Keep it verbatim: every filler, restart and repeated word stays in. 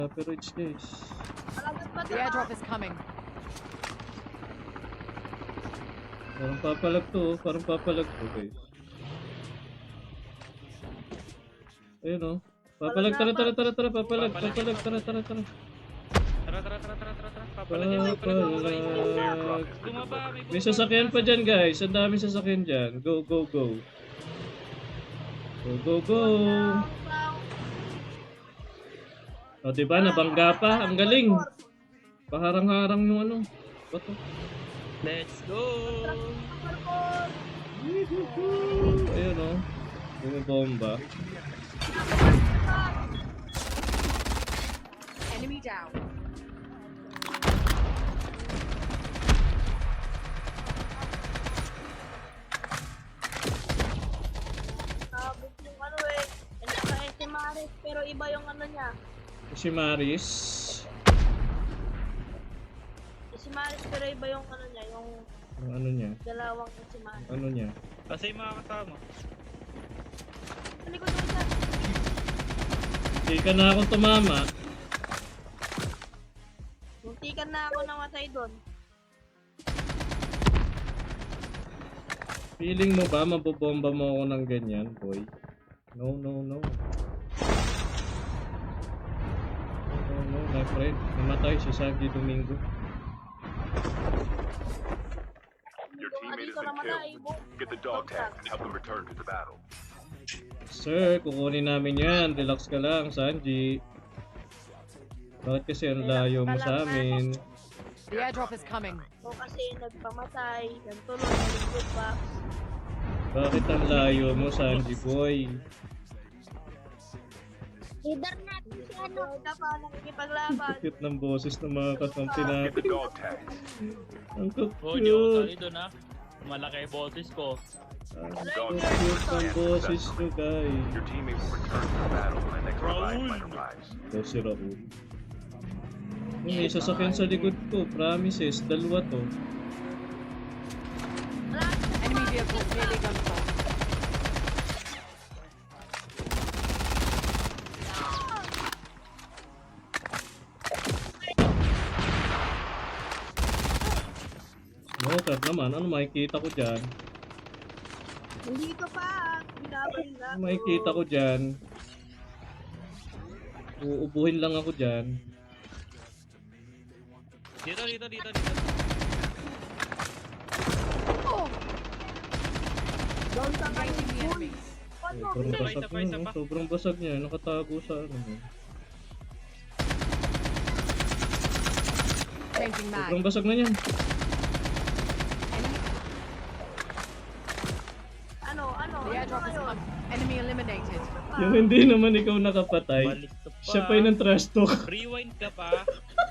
Average guys. The airdrop is coming. Parang papalag to, oh. Parang papalag to guys. Ayun oh. Papalag, tara tara tara tara, papalag, papalag, tara tara tara. Tara, tara, tara, tara, tara, tara. Papalag yan, papalag, papalag. Papalag. Bumaba, may May bumaba. sasakyan pa dyan guys, ang daming sasakyan dyan. Go, go, go. Go, go, go. O diba, nabangga pa, ang galing. Paharang-harang yung ano. Bato. Let's go! Ayun oh. Bumibomba. Enemy down. Sabog yung ano eh. Naka si Maris, pero iba yung ano niya. Si Maris. Si Maris, pero iba yung ano niya, yung Ang ano niya? dalawang si Maris. Ano niya? Kasi yung mga kasama. Ano ko doon siya? Hindi ka na akong tumama. Muntikan na ako namatay doon. Feeling mo ba mabobomba mo ako ng ganyan, boy? No, no, no. No, no, my friend. Namatay si Sandy Domingo. Your teammate has been killed. Get the dog tag and help them return to the battle. Sir, kukunin namin yan. Relax ka lang, Sanji. Bakit kasi ang layo mo sa amin? The airdrop is coming. O kasi nagpamatay, ganito lang, nalingkod pa. Bakit ang layo mo, Sanji boy? Leader natin si ano. Ka pa nakikipaglaban. Cute ng boses ng mga kakampi Get natin. the dog tags. Ang Oh, hindi ako cute. tali doon ha. Malaki yung boses ko. Ang cute ng boses nyo, guys. Your teammate will return to the battle when the next revive flight arrives. Ito si Raul. May sasakyan sa likod ko. Promises. Dalawa to. Enemy vehicle nearly gunfire. Motor naman. Ano makikita ko dyan? Hindi ko pa. Binabalila. Ano makikita ko dyan? Uubuhin lang ako dyan. Dito, dito, dito, dito. Doon sa kayo. Engaging the enemy. Sobrang Isa pa, basag isa pa, niya. isa no? pa. Sobrang basag niya. Nakatago sa ano. no? Changing mag. Sobrang basag na niyan. Enemy. Ano, ano? The Ano airdrop is ngayon? coming. Enemy eliminated. Yung hindi naman ikaw nakapatay. Balik ka pa. Siya pa yung ng trash talk. Rewind ka pa.